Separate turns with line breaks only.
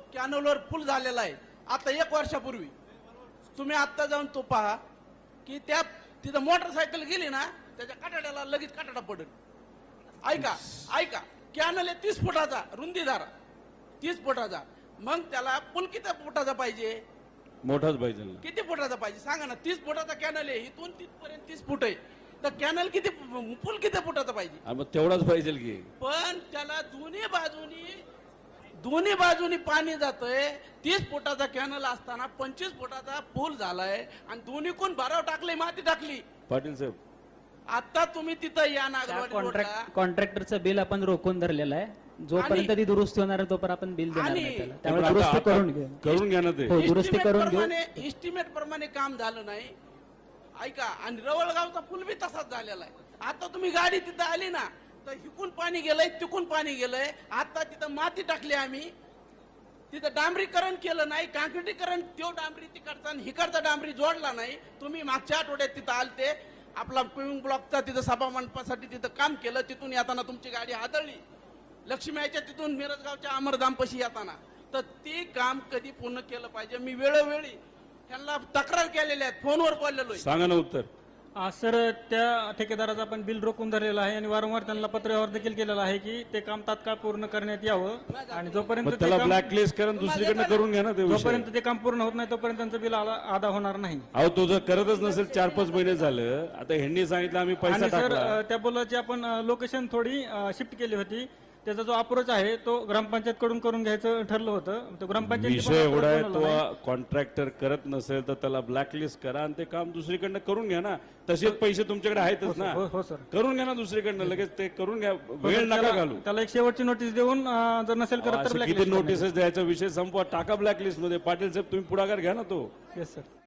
कॅनलवर पूल झालेला आहे आता 1 वर्षापूर्वी. तुम्ही आता जाऊन तो पहा की त्या तिथं मोटरसायकल गेली ना त्याच्या काटाड्याला लगेच काटाडा पडेल. ऐका ऐका, कॅनल आहे 30 फुटाचा रुंदीदार, 30 फुटाचा. मग त्याला पूल किती फुटाचा पाहिजे?
मोठाच पाहिजे ना.
किती फुटाचा पाहिजे सांगा ना? 30 फुटाचा कॅनल आहे, इथून तिथपर्यंत 30 फूट आहे. तर कॅनल किती, पूल किती फुटाचा पाहिजे?
मग तेवढाच पाहिजे की.
पण त्याला दोन्ही बाजूनी पाणी जातंय. 30 फुटाचा कॅनल असताना 25 फुटाचा पूल झालाय आणि दोन्ही कोण भराव टाकले, माती टाकली.
पाटील साहेब,
आता तुम्ही तिथं या नागरवाडी रोडला.
कॉन्ट्रॅक्टरचं बिल आपण रोखून धरलेलं आहे. जोपर्यंत ती दुरुस्ती होणार आहे तोपर्यंत आपण बिल देणार
आणि-
नाही त्याला.
पण
त्यामुळे
आता-
दुरुस्ती
आता
करून घेऊ.
करून घ्या ना ते.
हो, दुरुस्ती करून घेऊ.
इस्टिमेट प्रमाणे काम झालं नाही. ऐका, आणि रवळगावचा पूल बी तसाच झालेला आहे. आता तुम्ही गाडी तिथं आली ना तर हिकून पाणी गेलंय, तिकून पाणी गेलंय. आता तिथं माती टाकली आम्ही, तिथं डांबरीकरण केलं नाही, काँक्रिटीकरण. तो डांबरी तिकडचा आणि हिकडचा डांबरी जोडला नाही. तुम्ही मागच्या आठवड्यात तिथं आलते, आपला पिविंग ब्लॉकचा तिथं सभा मंडपासाठी तिथं काम केलं. तिथून येताना तुमची गाडी आदळली लक्ष्मीच्या तिथून मिरजगावच्या अमरधामपाशी येताना. तर ते काम कधी पूर्ण केलं पाहिजे. मी वेळोवेळी त्यांना तक्रार केलेल्या आहेत, फोनवर बोललेलो आहे.
सांगा ना उत्तर.
सर, त्या ठेकेदाराचं आपण बिल रोखून धरलेलं आहे आणि वारंवार त्यांना पत्रव्यवहार देखील केलेला आहे की ते काम तात्काळ पूर्ण करण्यात यावं आणि जोपर्यंत
मग
ते
त्याला
काम-
ब्लॅकलिस्ट करून दुसरीकडनं करून घ्या ना ते विषय.
जोपर्यंत ते काम पूर्ण होत नाही तोपर्यंत त्यांचं बिल अदा होणार नाही.
अहो तो जर करतच नसेल 4-5 महिने झालं, आता ह्यांनी सांगितलं आम्ही पैसा
आणि सर,
टाकला.
त्या पुलाची आपण लोकेशन थोडी शिफ्ट केली होती. त्याचा जो अप्रोच आहे तो ग्रामपंचायत कडून करून घ्यायचं ठरलं होतं. तो ग्रामपंचायत
विषय एवढा आहे, तो कॉन्ट्रॅक्टर करत नसेल तर त्याला ब्लॅकलिस्ट करा आणि ते काम दुसरीकडनं करून घ्या ना. तसेच पैसे तुमच्याकडे आहेतच ना.
हो सर,
करून घ्या ना दुसरीकडनं, लगेच ते करून घ्या. वेळ नका घालू.
त्याला एक शेवटची नोटीस देऊन जर नसेल करत तर
असे किती
blacklist
नोटीसेस द्यायचा विषय संपवा, टाका ब्लॅकलिस्ट मध्ये. पाटील साहेब तुम्ही पुढाकार घ्या ना तो.
करण्यात. Yes, sir.